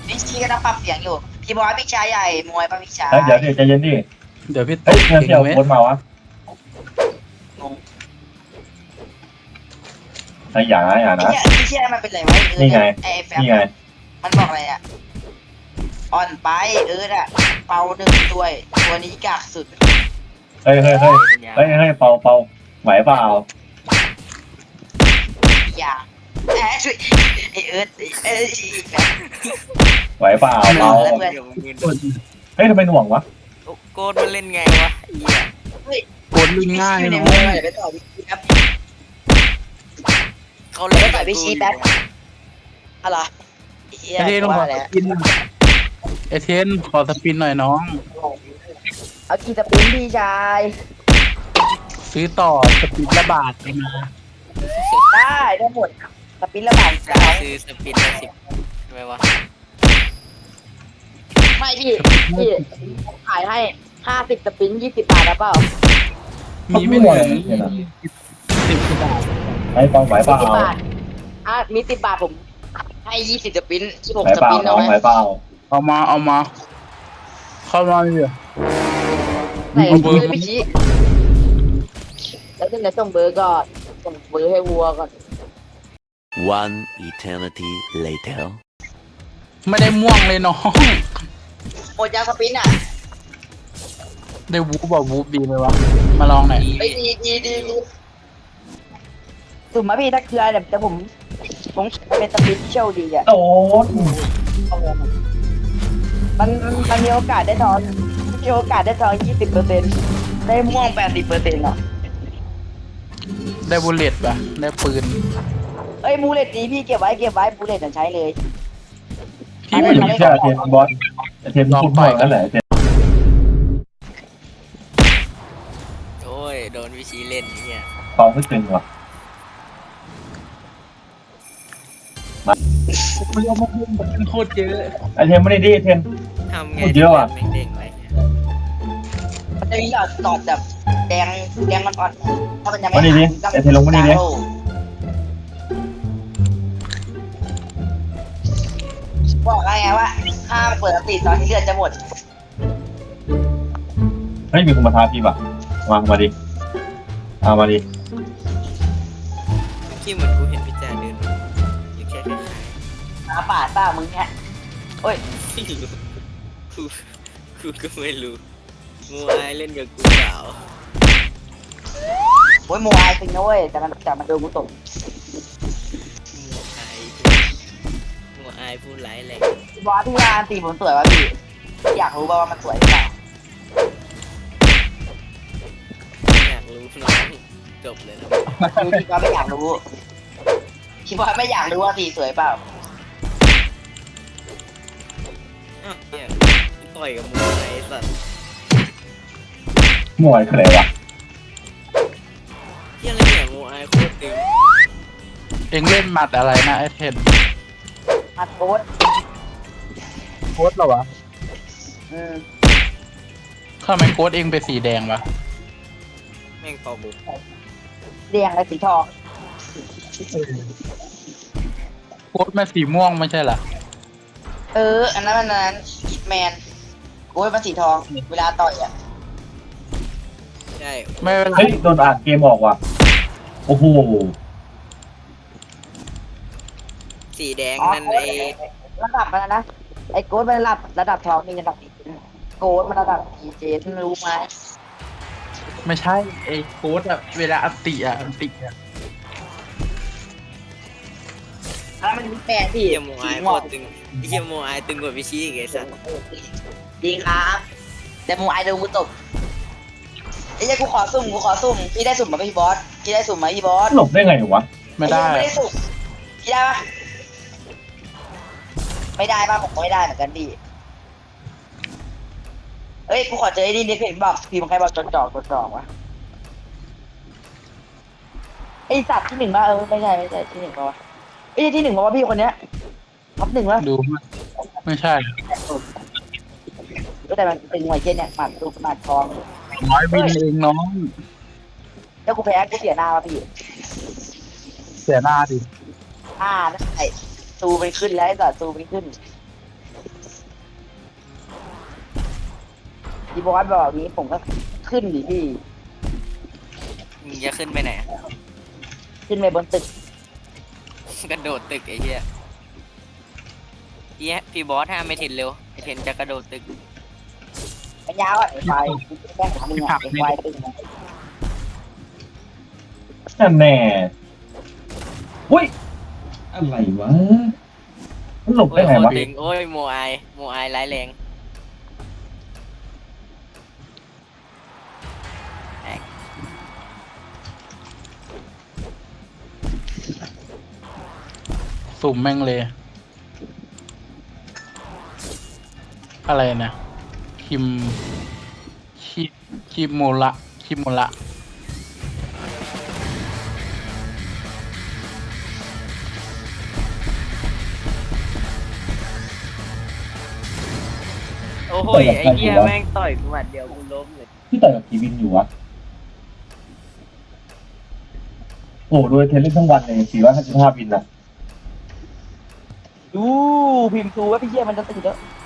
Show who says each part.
Speaker 1: พี่ชีก็ต้องปรับเสียงอยู่พี่บอยพี่ชายใหญ่มวยป่ะพี่ชาย
Speaker 2: เดี๋ยวดิใจเย็นดิ
Speaker 3: เดี๋ยวพี่ต
Speaker 2: เฮ้ย
Speaker 3: ก
Speaker 2: เพื่อน
Speaker 3: เก่
Speaker 2: เที่ยว
Speaker 3: งไหม
Speaker 2: โค้ดมาวะ
Speaker 1: งง
Speaker 2: ไอ้อย่านะอย่า
Speaker 1: ไอ้
Speaker 2: นะ
Speaker 1: เนี่ยไอ้เชี่ยมันเป็นไรวะ
Speaker 2: นี่ไง
Speaker 1: ไอ้แฟม
Speaker 2: นี่ไง
Speaker 1: มันบอกอะไรอ่ะอ่อนไปอ่ะเป่าหนึ่งตัวนี้กากสุด
Speaker 2: เฮ้ยเปาไหวเปล่า
Speaker 1: อย่าช่วยไอ้ไอ้แบบ
Speaker 2: ไหวเปล่าเปา
Speaker 1: แล้วเพื่อน
Speaker 3: เดี๋ยวมึง
Speaker 2: เฮ้ยทำไมหน่วงวะ
Speaker 3: โกดมันเล่นไงวะเหี้ย
Speaker 4: กดลิงง่าย
Speaker 1: ใน
Speaker 4: เนาะ
Speaker 1: มือไปต่อพี่ชีครับ
Speaker 3: เขา
Speaker 1: เล่
Speaker 3: เล่
Speaker 1: น
Speaker 3: น
Speaker 1: ต่อพี่ชีแป๊บอะไร
Speaker 4: ไอเทนขอสปินไอเทนขอสปินหน่อยน้อง
Speaker 1: เอากีตาร์ปิ้นพี่ชาย
Speaker 4: ซื้อต่อสปินละบาทมา
Speaker 1: ได้หมดสปิ้นละบาท
Speaker 3: ซื้อสปินละ10ใช่ไหมวะ
Speaker 1: ไม่พี่ขายให้50 สปิ้น20 บาทแล้วเปล่า
Speaker 4: มีไม่ถึง10บาท
Speaker 2: ไอ้เปาไหวเปล่า
Speaker 1: 10 บาทมี10 บาทผมให้20 สปิ้น
Speaker 2: ไหว
Speaker 1: 16 ส
Speaker 2: เปล่า
Speaker 1: ปิ้นเอา
Speaker 2: น้อง
Speaker 1: ไหม
Speaker 2: ไหวเปล่า
Speaker 4: เอามาเข้ามาเลย
Speaker 1: ใส่เบอร์พี่ชี้แล้วจะส่งเบอร์ก่อนส่งเบอร์ให้วัวก่อน
Speaker 5: One eternity later.
Speaker 4: ไม่ได้ม่วงเลยน้อง
Speaker 1: หมดยาสปิ้นอ่ะ
Speaker 4: ได้วูบบอกวูบดีไหมวะมาลองหน่อย
Speaker 1: ไอ้ดีสุ่มมาพี่ถ้าคืออะไรแต่ผมเป็นสปิ้นเชี่ยวดีอ่ะ
Speaker 2: โดน
Speaker 1: มันมีโอกาสได้ทองมีโอกาสได้ทอง20%ได้ม่วง80%หรอ
Speaker 4: ได้บุลเลตป่ะได้ปืน
Speaker 1: เอ้ยบูเลตดีพี่เก็บไว้บูเลตใช้เลย
Speaker 4: พี่
Speaker 2: ไม่
Speaker 4: ไม่
Speaker 2: ถึง
Speaker 4: รู้
Speaker 2: เชื่อเทนบอสเทนพูดบ่อยนั่นแหละเทน
Speaker 3: โอ้ยโดนวิชีเล่นเนี่ย
Speaker 2: เปาไม่ตึงวะ
Speaker 4: ไม่เอามาพูดมันโคตรเยอะ
Speaker 2: ไอเทนไม่ได้ดิเทน
Speaker 3: ทำไง
Speaker 2: พูดเยอะว่ะ
Speaker 3: ไม่เด้งอะไรเนี่ย
Speaker 1: มันจะมีหลอดแบบแดงอ่อนๆถ้ามันยังไม่
Speaker 2: มานี่ดิไอเทนลงมานี่ดิ
Speaker 1: บอกไงว่าห้ามเปิดสติตอนที่เลือดจะหมด
Speaker 2: เฮ้ยมีคนมาท้าพี่ป่ะมาดิเอามาดิ
Speaker 3: ที่เหมือนกูเห็นพี่แจเดินหรือแค่คล้าย
Speaker 1: หาป่าต้ามึงเนี้ยโอ้ย
Speaker 3: ๆไม่รู้กูก็ไม่รู้มัวไอเล่นกับกูเปล่า
Speaker 1: โอ้ยโมไอจริงนะเว้ยแต่มันโดนกูตก
Speaker 3: มัวไอพูดร้ายแรง
Speaker 1: บอสที่ร้านตีผมสวยวะพี่อยากรู้ว่ามันสวยหรือเปล่า
Speaker 3: อยากรู้น้องจบเลยนะ
Speaker 1: รู้ที่ก็ไม่อยากรู้ที่บอสไม่อยากรู้ว่าตีสวยเปล่า
Speaker 3: อ้าวเนี่ยต่อยกับมัวไอสัตว์
Speaker 2: มวยคืออะไรวะ
Speaker 3: เที่ยอะไรเนี่ยมัวไอโคตรตึง
Speaker 4: เองเล่นหมัดอะไรนะไอเทน
Speaker 1: อัดโค้ด
Speaker 4: โค้ดเหรอวะ
Speaker 1: อืม
Speaker 4: ทำไมโค้ดเองเป็นสีแดงวะ
Speaker 3: แม่งเป่าบุก
Speaker 1: แดงและสีทอง
Speaker 4: โค้ดมาสีม่วงไม่ใช่เหรอ
Speaker 1: อันนั้นฮิตแมนโอ้ยมันสีทอง เวลาต่อยอ่ะ
Speaker 3: ใช่
Speaker 4: ไม่เป็นไร
Speaker 2: เฮ้ยโดนอ่านเกมออกว่ะโอ้โห
Speaker 3: สีแดง
Speaker 1: อ๋อ
Speaker 3: นั่นไอ
Speaker 1: ระดับมันนะไอ้โค้ดมันระดับทองมีระดับโค้ดมันระดับดีเจรู้ไหม
Speaker 4: ไม่ใช่ไอโค้ดอะเวลาอันติอะ
Speaker 1: ถ้ามันฮิตแมนพี่
Speaker 3: เที่ยมัวไอโคตรตึงเที่ยมัวไอตึงกว่าวิชีอีกไอสัตว์
Speaker 1: จริงครับแต่มูไอโดนกูตบไอ้เจ้ากูขอสุ่มพี่ได้สุ่มมาไหมพี่บอสพี่ได้สุ่มไหมพี่บอส
Speaker 2: หลบได้ไงวะ
Speaker 4: ไม่ได้
Speaker 1: ไม่ได้สุ่มพี่ได้ปะไม่ได้ป่ะผมก็ไม่ได้เหมือนกันดิเอ้ยกูขอเจอไอ้นี่นิดเห็นบอกพี่มันใครบอกจดจ่อวะไอสัตว์ที่หนึ่งป่ะไม่ใช่ที่หนึ่งป่ะวะไอ้ที่หนึ่งป่ะวะพี่คนเนี้ยท็อปหนึ่งวะ
Speaker 4: ดูไม่ใช่
Speaker 1: แต่มันเป็นหน่วยเช่นเนี่ยหมัดรูปหมัดทอง
Speaker 4: น้อยวินเองน้อง
Speaker 1: แล้วกูแพ้กูเสียหน้าวะพี่
Speaker 4: เสียหน้าดิ
Speaker 1: นั่นไอ้ซูมันขึ้นแล้วไอ้สัตว์ซูมันขึ้นพี่บอสบอกอย่างนี้ผมก็ขึ้นดิพี่
Speaker 3: มึงจะขึ้นไปไหน
Speaker 1: ขึ้นไปบนตึก
Speaker 3: กระโดดตึกไอ้เหี้ยเหี้ยพี่บอสห้ามไม่เทนเร็วไอเทนจะกระโดดตึก
Speaker 1: ไอ้ยาวอ่ะไอ้ไฟแค่หามึงอ่ะไอ้ไฟตึก
Speaker 2: นั่นแน่อุ้ยอะไรวะมันหลบ
Speaker 3: โอ้
Speaker 2: ได้
Speaker 3: ย
Speaker 2: ไง
Speaker 3: โคต
Speaker 2: วะ
Speaker 3: รดึงโอ้ยโมไอร้ายแรง
Speaker 4: สุ่มแม่งเลย อะไรนะคิมคิมโมละ
Speaker 3: โอ้โหไอ้เหี้ยแม่งต่อยกูหมัดเดียวกูล้มเลย
Speaker 2: ที่ต่อยกับกีวินอยู่วะโอ้โดยเทนเล่นทั้งวันเลย455วินอะ
Speaker 1: ดูพิมพ์ดูว่าพี่เยี่ยมันจะติดแล้ว